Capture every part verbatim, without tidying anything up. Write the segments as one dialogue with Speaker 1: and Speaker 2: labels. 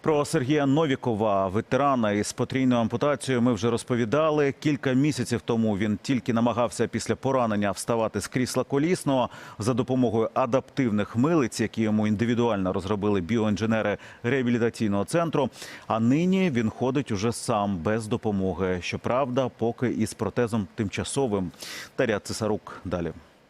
Speaker 1: Про Сергія Новікова, ветерана із потрійною ампутацією, ми вже розповідали. Кілька місяців тому він тільки намагався після поранення вставати з крісла колісного за допомогою адаптивних милиць, які йому індивідуально розробили біоінженери реабілітаційного центру. А нині він ходить уже сам, без допомоги. Щоправда, поки із протезом тимчасовим. Дар'я Цесарук далі.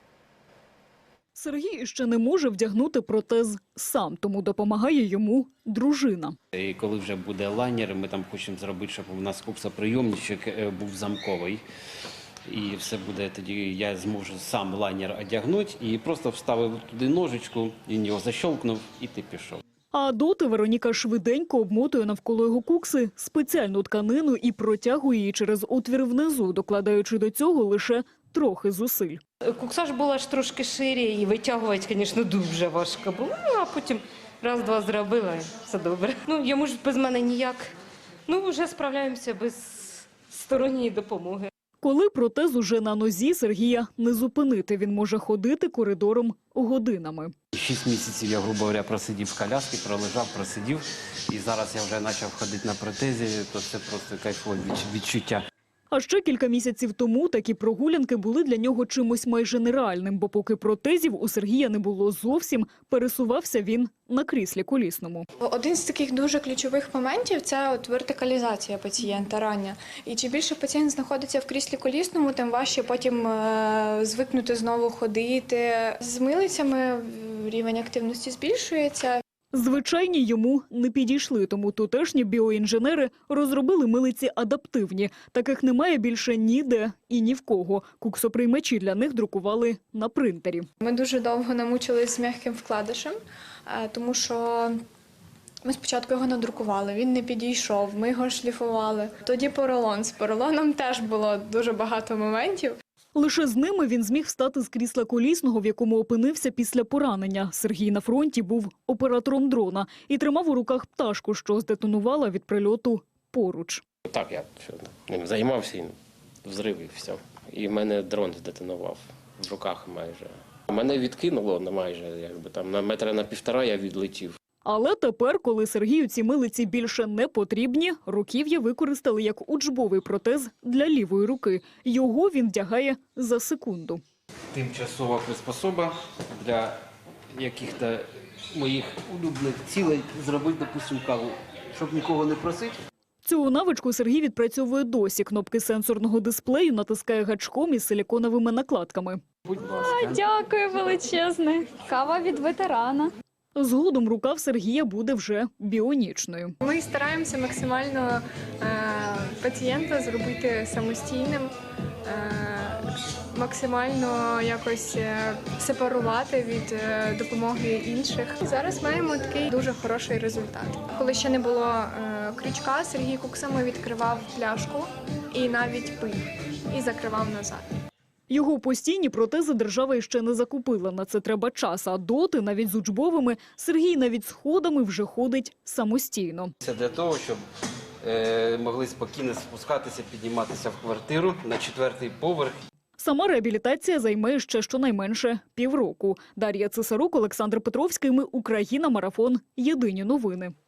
Speaker 2: Сергій ще не може вдягнути протез сам, тому допомагає йому дружина.
Speaker 3: І коли вже буде лайнер, ми там хочемо зробити, щоб у нас куксоприйомничок був замковий. І все буде тоді, я зможу сам лайнер одягнути і просто вставив туди ножичку, він його защолкнув і ти пішов.
Speaker 2: А доти Вероніка швиденько обмотує навколо його кукси спеціальну тканину і протягує її через отвір внизу, докладаючи до цього лише трохи зусиль.
Speaker 4: Кукса ж була ж трошки шире і витягувати, звісно, дуже важко було. Ну, а потім раз-два зробила, і все добре. Ну, йому ж без мене ніяк. Ну, вже справляємося без сторонньої допомоги.
Speaker 2: Коли протез уже на нозі, Сергія не зупинити. Він може ходити коридором годинами.
Speaker 3: Шість місяців я, грубо говоря, просидів в коляскі, пролежав, просидів. І зараз я вже почав ходити на протезі, то це просто кайфове відчуття.
Speaker 2: А ще кілька місяців тому такі прогулянки були для нього чимось майже нереальним, бо поки протезів у Сергія не було зовсім, пересувався він на кріслі колісному.
Speaker 5: Один з таких дуже ключових моментів – це от вертикалізація пацієнта рання. І чим більше пацієнт знаходиться в кріслі колісному, тим важче потім е звикнути знову ходити. З милицями рівень активності збільшується.
Speaker 2: Звичайні йому не підійшли, тому тутешні біоінженери розробили милиці адаптивні. Таких немає більше ніде і ні в кого. Куксоприймачі для них друкували на принтері.
Speaker 5: Ми дуже довго намучились з м'яким вкладишем, тому що ми спочатку його надрукували, він не підійшов, ми його шліфували. Тоді поролон. З поролоном теж було дуже багато моментів.
Speaker 2: Лише з ними він зміг встати з крісла колісного, в якому опинився після поранення. Сергій на фронті був оператором дрона і тримав у руках пташку, що здетонувала від прильоту поруч.
Speaker 6: Так, я ним займався, і взрив і все. І в мене дрон здетонував в руках майже. Мене відкинуло на майже, якби там на метра на півтора я відлетів.
Speaker 2: Але тепер, коли Сергію ці милиці більше не потрібні, руків'я використали як учбовий протез для лівої руки. Його він вдягає за секунду.
Speaker 3: Тимчасова приспособа для яких-то моїх улюблених цілей зробити, допустим, каву, щоб нікого не просити.
Speaker 2: Цю навичку Сергій відпрацьовує досі. Кнопки сенсорного дисплею натискає гачком із силіконовими накладками.
Speaker 3: Будь ласка.
Speaker 7: Дякую величезне. Кава від ветерана.
Speaker 2: Згодом рука в Сергія буде вже біонічною.
Speaker 5: Ми стараємося максимально е пацієнта зробити самостійним, е максимально якось сепарувати від е допомоги інших. Зараз маємо такий дуже хороший результат. Коли ще не було е крючка, Сергій куксами відкривав пляшку і навіть пив, і закривав назад.
Speaker 2: Його постійні протези держава іще не закупила. На це треба час. А доти, навіть з учбовими, Сергій навіть сходами вже ходить самостійно.
Speaker 3: Це для того, щоб е, могли спокійно спускатися, підніматися в квартиру на четвертий поверх.
Speaker 2: Сама реабілітація займе ще щонайменше півроку. Дар'я Цесарук, Олександр Петровський. Ми Україна. Марафон. Єдині новини.